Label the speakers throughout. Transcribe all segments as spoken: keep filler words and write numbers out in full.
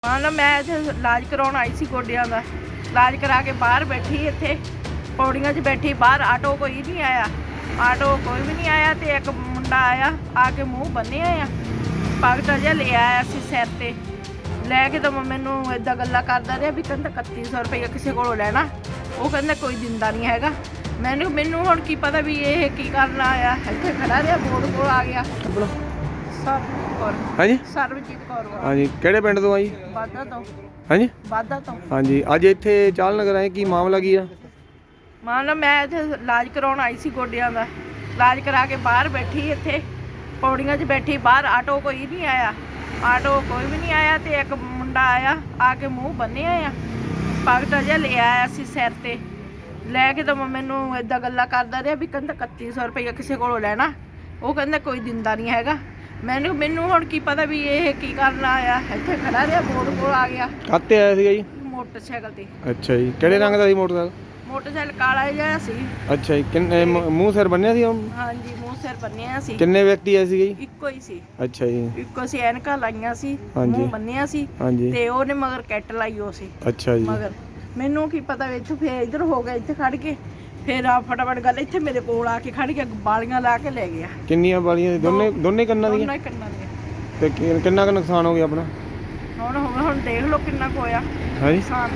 Speaker 1: हाँ ना मैं इत्थे इलाज कराउण आई सी गोडियां दा। इलाज करा के बाहर बैठी इत्थे पौड़ियां च बैठी, बाहर आटो कोई नहीं आया, आटो कोई भी नहीं आया। तो एक मुंडा आया, आके मूँह बन्निया आ, पगट जिहा ले आया सी सिर ते लैके। तो मैनू इदां गल्लां करदा रहा भी कहंदा इकत्ती सौ रुपया किसी कोलों लैना, वो कहंदा कोई दिंदा नहीं हैगा। मैनू मैनू हुण की पता भी ये की करन आया। इत्थे खड़ा रहा, बोर्ड कोल आ गया। सरबजीत कौर।
Speaker 2: हाँ जी
Speaker 1: सरबजीत कौर।
Speaker 2: हाँ जी ਕਿਹੜੇ ਪਿੰਡ ਤੋਂ ਆ ਜੀ?
Speaker 1: ਵਾਧਾ ਤੋਂ।
Speaker 2: हाँ जी
Speaker 1: ਵਾਧਾ ਤੋਂ।
Speaker 2: हाँ जी ਅੱਜ ਇੱਥੇ ਚਾਲ ਨਗਰ ਆਏ, ਕੀ ਮਾਮਲਾ ਕੀ ਆ?
Speaker 1: ਮਾਂ ਨਾ ਮੈਂ ਇੱਥੇ ਇਲਾਜ ਕਰਾਉਣ ਆਈ ਸੀ ਗੋਡਿਆਂ ਦਾ। ਇਲਾਜ ਕਰਾ ਕੇ ਬਾਹਰ ਬੈਠੀ ਇੱਥੇ ਪੌੜੀਆਂ 'ਚ ਬੈਠੀ, ਬਾਹਰ ਆਟੋ ਕੋਈ ਨਹੀਂ ਆਇਆ, ਆਟੋ ਕੋਈ ਵੀ ਨਹੀਂ ਆਇਆ। ਤੇ ਇੱਕ ਮੁੰਡਾ ਆਇਆ, ਆ ਕੇ ਮੂੰਹ ਬੰਨਿਆ ਆ, ਪਗਟ ਜਿਹਾ ਲੈ ਆਇਆ ਸੀ ਸਿਰ ਤੇ ਲੈ ਕੇ। ਤਾਂ ਮੈਨੂੰ ਇਦਾਂ ਗੱਲਾਂ ਕਰਦਾ ਰਿਹਾ ਵੀ ਕਹਿੰਦਾ ਇਕੱਤੀ ਸੌ ਰੁਪਇਆ ਕਿਸੇ ਕੋਲੋਂ ਲੈਣਾ, ਉਹ ਕਹਿੰਦਾ ਕੋਈ ਦਿੰਦਾ ਨਹੀਂ ਹੈਗਾ। ਮੈਨੂੰ ਮੈਨੂੰ ਹੁਣ ਕੀ ਪਤਾ ਵੀ ਇਹ ਕੀ ਕਰਨ ਆਇਆ। ਇੱਥੇ ਖੜਾ ਰਿਹਾ, ਬੋਰਡ ਕੋਲ ਆ ਗਿਆ।
Speaker 2: ਕਾਹਤੇ ਆਇਆ ਸੀਗਾ ਜੀ?
Speaker 1: ਮੋਟਰਸਾਈਕਲ ਤੇ।
Speaker 2: ਅੱਛਾ ਜੀ, ਕਿਹੜੇ ਰੰਗ ਦਾ ਸੀ ਮੋਟਰਸਾਈਕਲ?
Speaker 1: ਮੋਟਰਸਾਈਕਲ ਕਾਲਾ ਜਿਹਾ ਸੀ।
Speaker 2: ਅੱਛਾ ਜੀ, ਕਿੰਨੇ ਮੂੰਹ ਸਿਰ ਬੰਨਿਆ ਸੀ?
Speaker 1: ਹਾਂਜੀ, ਮੂੰਹ ਸਿਰ ਬੰਨਿਆ ਸੀ।
Speaker 2: ਕਿੰਨੇ ਵਿਅਕਤੀ ਆਏ ਸੀਗੇ ਜੀ?
Speaker 1: ਇੱਕੋ ਹੀ ਸੀ।
Speaker 2: ਅੱਛਾ ਜੀ,
Speaker 1: ਇੱਕੋ ਸੀ, ਐਨਕਾਂ ਲਾਈਆਂ ਸੀ,
Speaker 2: ਹਾਂਜੀ।
Speaker 1: ਮੂੰਹ ਬੰਨਿਆ ਸੀ।
Speaker 2: ਹਾਂਜੀ
Speaker 1: ਤੇ ਉਹਨੇ ਮਗਰ ਕੈਟ ਲਾਈ ਹੋ ਸੀ।
Speaker 2: ਅੱਛਾ ਜੀ,
Speaker 1: ਮਗਰ ਮੈਨੂੰ ਕੀ ਪਤਾ ਵੀ ਇੱਥੋਂ ਫੇਰ ਇੱਧਰ ਹੋ ਗਿਆ, ਇੱਥੇ ਖੜ ਕੇ ਫੇਰ ਆ ਫਟਾਫਟ ਗੱਲ ਇੱਥੇ ਮੇਰੇ ਕੋਲ ਆ ਕੇ ਖੜ ਕੇ ਬਾਲੀਆਂ ਲਾ ਕੇ ਲੈ ਗਿਆ।
Speaker 2: ਕਿੰਨੀਆਂ ਵਾਲੀਆਂ ਸੀ? ਦੋਨੇ ਦੋਨੇ ਕੰਨਾਂ ਦੀਆਂ?
Speaker 1: ਦੋਨਾਂ ਹੀ ਕੰਨਾਂ ਦੀਆਂ।
Speaker 2: ਤੇ ਕਿ- ਕਿੰਨਾ ਕੁ ਨੁਕਸਾਨ ਹੋ ਗਿਆ ਆਪਣਾ?
Speaker 1: ਹੁਣ ਹੁਣ ਹੁਣ ਦੇਖ ਲਓ ਕਿੰਨਾ ਕੁ ਹੋਇਆ
Speaker 2: ਹਾਂਜੀ
Speaker 1: ਨੁਕਸਾਨ।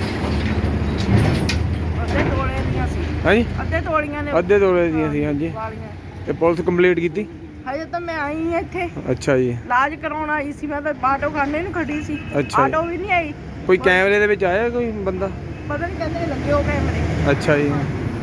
Speaker 1: ਅੱਧੇ ਤੋਲੇ ਦੀਆਂ ਸੀ।
Speaker 2: ਹਾਂਜੀ
Speaker 1: ਅੱਧੇ ਤੋਲੀਆਂ ਨੇ।
Speaker 2: ਅੱਧੇ ਤੋਲੇ ਦੀਆਂ ਸੀ। ਹਾਂਜੀ,
Speaker 1: ਵਾਲੀਆਂ।
Speaker 2: ਤੇ ਪੁਲਿਸ ਕੰਪਲੀਟ ਕੀਤੀ?
Speaker 1: ਹਜੇ ਤਾਂ ਮੈਂ ਆਈ ਹਾਂ ਇੱਥੇ
Speaker 2: ਅੱਛਾ ਜੀ,
Speaker 1: ਇਲਾਜ ਕਰਾਉਣ ਆਈ ਸੀ। ਮੈਂ ਤਾਂ ਆਟੋ ਖਾਨੇ ਨੂੰ ਖੜੀ ਸੀ,
Speaker 2: ਅੱਛਾ ਜੀ।
Speaker 1: ਆਟੋ ਵੀ ਨਹੀਂ ਆਈ।
Speaker 2: ਕੋਈ ਕੈਮਰੇ ਦੇ ਵਿੱਚ ਆਇਆ ਕੋਈ ਬੰਦਾ?
Speaker 1: ਪਤਾ ਨਹੀਂ ਕਹਿੰਦੇ ਲੱਗੇ ਹੋ ਕੈਮਰੇ।
Speaker 2: ਅੱਛਾ ਜੀ,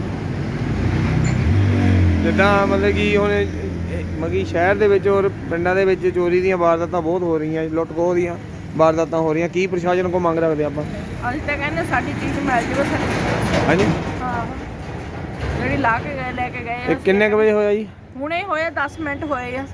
Speaker 2: ਜਿੱਦਾਂ ਮਤਲਬ ਕਿ ਹੁਣ ਮਤਲਬ ਕਿ ਸ਼ਹਿਰ ਦੇ ਵਿੱਚ ਔਰ ਪਿੰਡਾਂ ਦੇ ਵਿੱਚ ਚੋਰੀ ਦੀਆਂ ਵਾਰਦਾਤਾਂ ਬਹੁਤ ਹੋ ਰਹੀਆਂ, ਲੁੱਟ ਖੋਹ ਦੀਆਂ ਵਾਰਦਾਤਾਂ ਹੋ ਰਹੀਆਂ, ਕੀ ਪ੍ਰਸ਼ਾਸਨ ਕੋਲ ਮੰਗ ਰੱਖਦੇ ਆਪਾਂ?
Speaker 1: ਅਸੀਂ ਤਾਂ ਕਹਿੰਦੇ ਸਾਡੀ ਚੀਜ਼ ਮਿਲ ਜਾਵੇ ਸਾਡੀ।
Speaker 2: ਹਾਂਜੀ,
Speaker 1: ਹਾਂ, ਜਿਹੜੀ ਲਾ ਕੇ ਗਏ ਲੈ ਕੇ ਗਏ
Speaker 2: ਇਹ
Speaker 1: ਆ।
Speaker 2: ਕਿੰਨੇ ਕੁ ਵਜੇ ਹੋਇਆ ਜੀ?
Speaker 1: ਹੁਣੇ ਹੋਏ ਦਸ ਮਿੰਟ ਹੋਏ ਆ।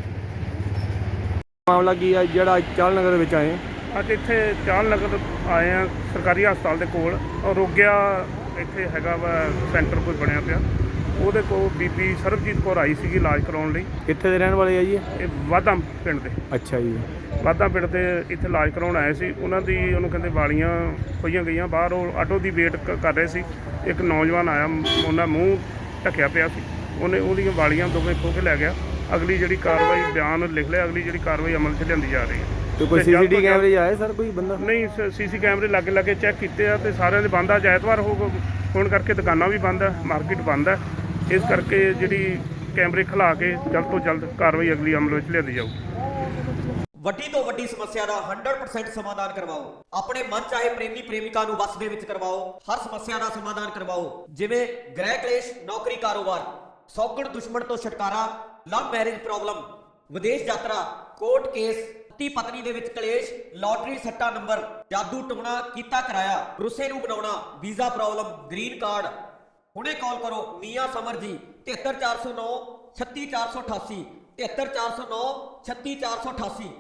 Speaker 2: ਮਾਮਲਾ ਕੀ ਆ ਜਿਹੜਾ ਚਾਲ ਨਗਰ ਦੇ ਵਿੱਚ ਆਏ?
Speaker 3: ਅੱਜ ਇੱਥੇ ਚਾਲ ਨਗਰ ਆਏ ਆ, ਸਰਕਾਰੀ ਹਸਪਤਾਲ ਦੇ ਕੋਲ ਆਰੋਗਿਆ ਇੱਥੇ ਹੈਗਾ ਵਾ ਸੈਂਟਰ ਕੋਈ ਬਣਿਆ ਪਿਆ, ਉਹਦੇ ਕੋਲ ਬੀਬੀ ਸਰਬਜੀਤ ਕੌਰ ਆਈ ਸੀਗੀ ਇਲਾਜ ਕਰਾਉਣ ਲਈ।
Speaker 2: ਕਿੱਥੇ ਦੇ ਰਹਿਣ ਵਾਲੇ ਆ ਜੀ?
Speaker 3: ਇਹ ਵਾਧਾ ਪਿੰਡ ਦੇ।
Speaker 2: ਅੱਛਾ ਜੀ,
Speaker 3: ਵਾਧਾ ਪਿੰਡ ਦੇ ਇੱਥੇ ਇਲਾਜ ਕਰਾਉਣ ਆਏ ਸੀ। ਉਹਨਾਂ ਦੀ ਉਹਨੂੰ ਕਹਿੰਦੇ ਵਾਲੀਆਂ ਖੋਈਆਂ ਗਈਆਂ, ਬਾਹਰ ਉਹ ਆਟੋ ਦੀ ਵੇਟ ਕਰ ਰਹੇ ਸੀ। ਇੱਕ ਨੌਜਵਾਨ ਆਇਆ, ਉਹਨਾਂ ਮੂੰਹ ਢੱਕਿਆ ਪਿਆ ਸੀ, ਉਹਨੇ ਉਹਦੀਆਂ ਵਾਲੀਆਂ ਦੋਵੇਂ ਖੋਹ ਕੇ ਲੈ ਗਿਆ। ਅਗਲੀ ਜਿਹੜੀ ਕਾਰਵਾਈ ਬਿਆਨ ਲਿਖ ਲਿਆ, ਅਗਲੀ ਜਿਹੜੀ ਕਾਰਵਾਈ ਅਮਲ 'ਚ ਲਿਆਂਦੀ ਜਾ ਰਹੀ ਹੈ।
Speaker 2: ਤੇ ਕੋਈ
Speaker 3: ਤੇ ਜਲਦ
Speaker 2: ਸੀਸੀਟੀ
Speaker 3: ਤੋਂ ਜਲਦ-
Speaker 2: ਕੈਮਰੇ ਆਏ ਸਰ ਕੋਈ ਬੰਦਾ?
Speaker 3: ਨਹੀਂ, ਸੀਸੀ ਕੈਮਰੇ ਲਾਗੇ ਲਾਗੇ ਚੈੱਕ ਕੀਤੇ ਆ ਤੇ ਸਾਰਿਆਂ ਦੇ ਬੰਦ ਆ। ਅੱਜ ਐਤਵਾਰ ਹੋ ਹੋਣ ਕਰਕੇ ਦੁਕਾਨਾਂ ਵੀ ਬੰਦ ਹੈ, ਮਾਰਕੀਟ ਬੰਦ ਹੈ। ਇਸ ਕਰਕੇ ਜਿਹੜੀ ਕੈਮਰੇ ਖਿਲਾ ਕੇ ਜਲਦ ਤੋਂ ਜਲਦ ਕਾਰਵਾਈ ਅਗਲੀ ਅਮਲ ਵਿੱਚ ਲਿਆਂਦੀ ਜਾਊ।
Speaker 4: ਵੱਡੀ ਤੋਂ ਵੱਡੀ ਸਮੱਸਿਆ ਦਾ ਸੌ ਪਰਸੈਂਟ ਸਮਾਧਾਨ ਕਰਵਾਓ। ਆਪਣੇ ਮਨ ਚਾਹੇ ਪ੍ਰੇਮੀ ਪ੍ਰੇਮਿਕਾ ਨੂੰ ਵਸ ਦੇ ਵਿੱਚ ਕਰਵਾਓ। ਹਰ ਸਮੱਸਿਆ ਦਾ ਸਮਾਧਾਨ ਕਰਵਾਓ, ਜਿਵੇਂ ਗ੍ਰਹਿ ਕਲੇਸ਼, ਨੌਕਰੀ, ਕਾਰੋਬਾਰ, ਸੌਗਣ ਦੁਸ਼ਮਣ ਤੋਂ ਛੁਟਕਾਰਾ, ਲਵ ਮੈਰਿਜ ਪ੍ਰੋਬਲਮ, ਵਿਦੇਸ਼ ਯਾਤਰਾ, ਕੋਰਟ ਕੇਸ, ਪਤੀ ਪਤਨੀ ਦੇ ਵਿੱਚ ਕਲੇਸ਼, ਲਾਟਰੀ ਸੱਟਾ ਨੰਬਰ, ਜਾਦੂ ਟੂਣਾ ਕੀਤਾ ਕਰਾਇਆ, ਰੁੱਸੇ ਨੂੰ ਬਣਾਉਣਾ, ਵੀਜ਼ਾ ਪ੍ਰੋਬਲਮ, ਗ੍ਰੀਨ ਕਾਰਡ। ਹੁਣੇ ਕਾਲ ਕਰੋ ਮੀਆਂ ਸਮਰ ਜੀ, ਤਿਹੱਤਰ ਚਾਰ ਸੌ ਨੌ ਛੱਤੀ ਚਾਰ ਸੌ ਅਠਾਸੀ, ਤਿਹੱਤਰ ਚਾਰ ਸੌ ਨੌ ਛੱਤੀ ਚਾਰ ਸੌ ਅਠਾਸੀ।